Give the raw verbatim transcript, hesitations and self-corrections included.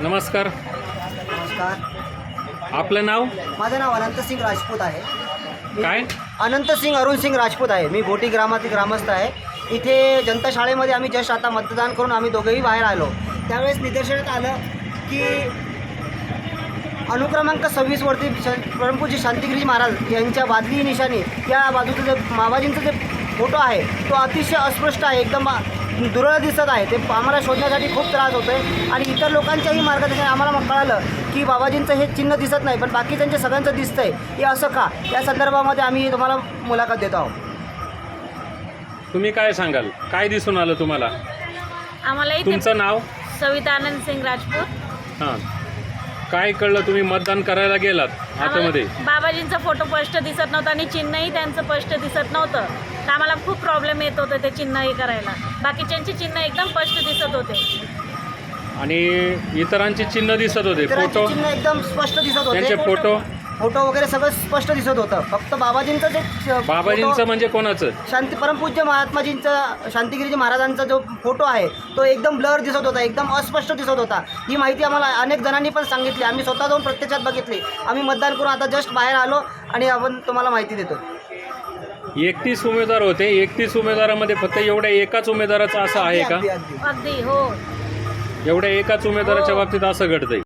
नमस्कार. नमस्कार. आपलं नाव माझं नाव अनंत सिंग राजपूत आहे. मी काय? अनंत सिंग अरुण सिंग राजपूत आहे. मी भोटी ग्रामातील ग्रामस्थ आहे. इथे जनता शाळेमध्ये आम्ही जस्ट आता मतदान करून आम्ही दोघेही बाहेर आलो. त्यावेळेस निदर्शनात आलं की अनुक्रमांक सव्वीसवरती श परमपूज्य शांतिगिरी महाराज यांच्या बादली निशाणी या बाजूचं जे माबाजींचं जे फोटो आहे तो अतिशय अस्पष्ट आहे, एकदम दुर्मिळ दिसत आहे. ते आम्हाला शोधण्यासाठी खूप त्रास होतो आहे आणि इतर लोकांच्याही मार्गदर्शन आम्हाला मग कळालं की बाबाजींचं हे चिन्ह दिसत नाही, पण बाकीच्यांच्या सगळ्यांचं दिसतंय. हे असं का, या संदर्भामध्ये आम्ही तुम्हाला मुलाखत देत आहोत. तुम्ही काय सांगाल? काय दिसून आलं तुम्हाला? आम्हाला इथे तुमचं नाव? सविता आनंद सिंग राजपूत. हां, काय कळलं? तुम्ही मतदान करायला गेलात आतमध्ये? आम्हाला बाबाजींचा फोटो स्पष्ट दिसत नव्हता आणि चिन्हही त्यांचं स्पष्ट दिसत नव्हतं, तर आम्हाला खूप प्रॉब्लेम येत होते ते चिन्ह हे करायला. बाकीच्यांची चिन्ह एकदम स्पष्ट दिसत होते आणि इतरांची चिन्ह दिसत होते, इतरांचे फोटो चिन्ह एकदम स्पष्ट दिसत होते. त्यांचे फोटो फोटो वगैरे सगळं स्पष्ट दिसत होतं. फक्त बाबाजींचं जे च- बाबाजींचं फोटो- म्हणजे कोणाचं? शांती परमपूज्य महात्माजींचा शांतिगिरीजी महाराजांचा जो फोटो आहे तो एकदम ब्लर दिसत होता, एकदम अस्पष्ट दिसत होता. ही माहिती आम्हाला अनेक जणांनी पण सांगितली. आम्ही स्वतः जाऊन प्रत्यक्षात बघितली. आम्ही मतदान करून आता जस्ट बाहेर आलो आणि आपण तुम्हाला माहिती देतो. एकतीस उमेदवार होते. एकतीस उमेदवारामध्ये फक्त एवढ्या एकाच उमेदवाराचं असं आहे का? अगदी अगदी अगदी. हो, एवढ्या एकाच उमेदवाराच्या हो. बाबतीत असं घडतंय?